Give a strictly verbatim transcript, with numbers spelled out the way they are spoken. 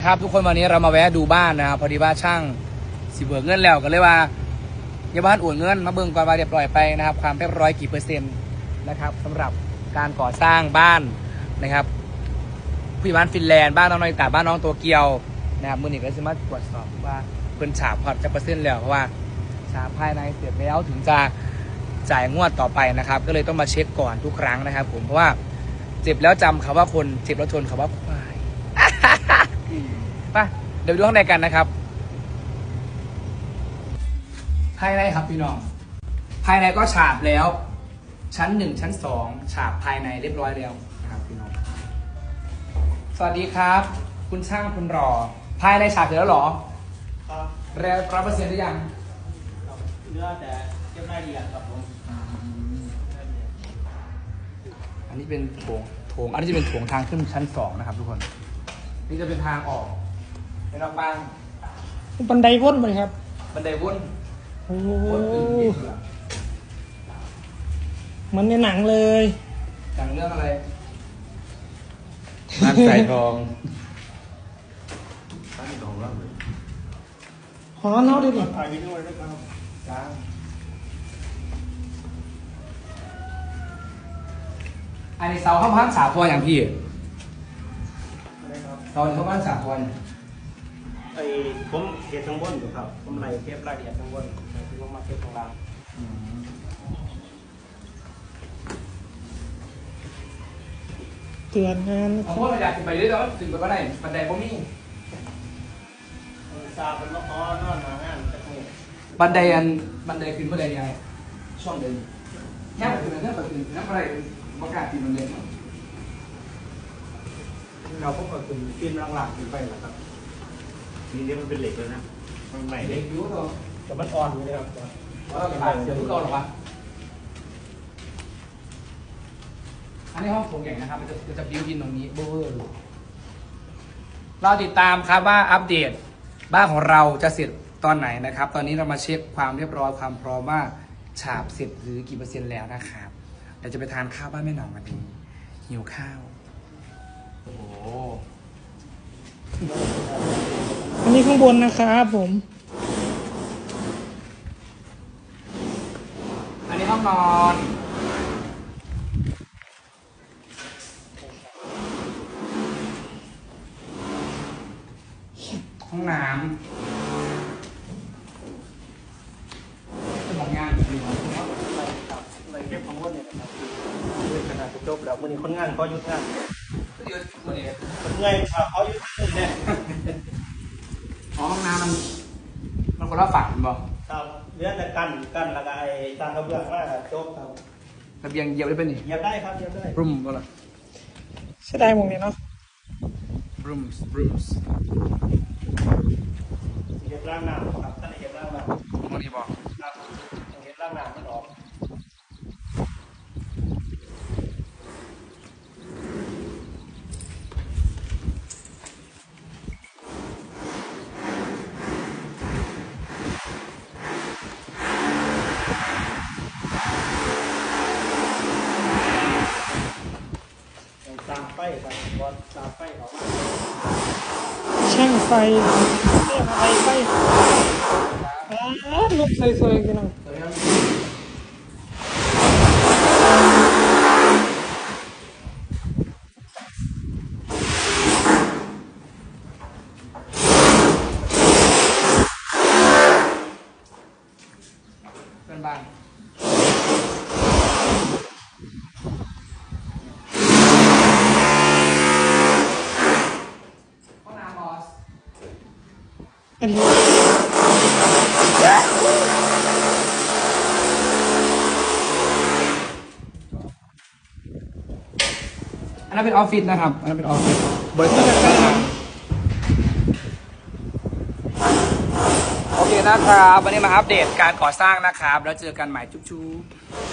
ครับทุกคนวันนี้เรามาแวะดูบ้านนะครับพอดีว่าช่างสิเบิกเงินแล้วก็เลยว่าอย่าบ้านอวดเงินมาเบิ่งก่อนว่าเรียบร้อยไปนะครับความเรียบร้อยกี่เปอร์เซ็นต์นะครับสำหรับการก่อสร้างบ้านนะครับผู้ใหญ่บ้านฟินแลนด์บ้านน้องน้อยตาบ้านน้องตัวเกียวนะครับมือหนึ่งก็จะมาตรวจสอบว่าเพิ่นฉาบพอดจะเปอร์เซ็นต์แล้วเพราะว่าฉาบภายในเสร็จแล้วถึงจะจ่ายงวดต่อไปนะครับก็เลยต้องมาเช็คก่อนทุกครั้งนะครับผมเพราะว่าเจ็บแล้วจำคำว่าคนเจ็บแล้วทนคำว่าควายไปเดี๋ยวดูข้างในกันนะครับภายในครับพี่น้องภายในก็ฉาบแล้วชั้นหนึ่งชั้นสองฉาบภายในเรียบร้อยแล้วนะครับพี่น้องสวัสดีครับ คุณช่างคุณรอภายในฉาบเสร็จแล้วหรอครับแล้วร้อยเปอร์เซ็นต์หรือยังเนื้อแต่เก็บรายละเอียดครับผมอันนี้เป็นโถงโถงอันนี้จะเป็นโถงทางขึ้นชั้นสองนะครับทุกคนนี่จะเป็นทางออกเป็นนอกบ้านบันไดวนไปครับบันไดวนโอ้วนอื่นที่เหลือมันในหนังเลยจากเรื่องอะไรบ้านสายทองบ้านทองแล้วเลยหอเนาะดิบถ่ายวิดีโอด้วยครับจ้าอันนี้เสาข้างพันสาพออย่างพี่อะไรครับเสาข้างพันสาพอเนี่ยไอ้ผมเก็บข้างบนอยู่ครับผมไล่เก็บรายละเอียดข้างบนคือผมมาเก็บข้างล่างเตือนงานเอาพวกเราอยากขึ้นไปเรื่อยๆแล้วขึ้นไปก็ได้บันไดพวกนี้ซาเป็นมะพร้าวนอนหางานตะมูบันไดอันบันไดขึ้นบันไดยังไงช่องเดินแค่ไปขึ้นแค่ไปขึ้นนั่งอะไรประกาศปีนบันไดเนาะเราพวกเราถึงปีนหลังๆขึ้นไปแล้วครับนี่เนี่ยมันเป็นเหล็กแล้วนะมันใหม่เด็เล็กกอยู่ตัวแต่มันอ่อนอยู่นะครับว่าเราผ่านเดี๋ยวทุกคนหรอวะอันนี้ห้องโถงใหญ่นะครับมันจะจะบิวอินตรงนี้เบอร์เราติดตามครับว่าอัปเดตบ้านของเราจะเสร็จตอนไหนนะครับ ตอนนี้เรามาเช็คความเรียบร้อยความพร้อมว่าฉาบเสร็จหรือกี่เปอร์เซ็นต์แล้วนะครับเดี๋ยวจะไปทานข้าวบ้านแม่หนองกันดีหิวข้าวโอ้โหอันนี้ข้างบนนะครับผมอันนี้ห้องนอนห้องน้ำจะบอกงานอยู่ครับไล่เก็บข้างบนเนี่ยนะครับคือขนาดจบแล้ววันนี้คนงานเขาหยุดงานก็เยอะคนนี้คนงานเขาหยุดงานเนี่ยอ๋อห้องน้ำมันมันคนละฝั่งบอกครับเรื่องแต่กันกันแล้วก็ไอ้ตามกระเบื้องว่าจบครับระเบียงเหยียบได้ปะนี่เหยียบได้ครับเหยียบได้บรูมก็ละใช่ได้หมดเลยเนาะบรูมส์บรูมส์เหยียบร่างน้ำครับท่านเหยียบร่างน้ำมันนี่บอกครับเหยียบร่างน้ำมันออก ตามไฟครับบอลตามไฟออกมาช่างไฟเรียกอะไรไฟอ่าลุกสวยๆกันหน่อยเดี๋ยวนะเป็นบ้านห้องน้ำบอสอันนี้อันนั้นเป็นออฟฟิศนะครับ อันนั้นเป็นออฟฟิศบริษัทโอเคนะครับ วันนี้มาอัปเดตการก่อสร้างนะครับ แล้วเจอกันใหม่จุ๊บๆ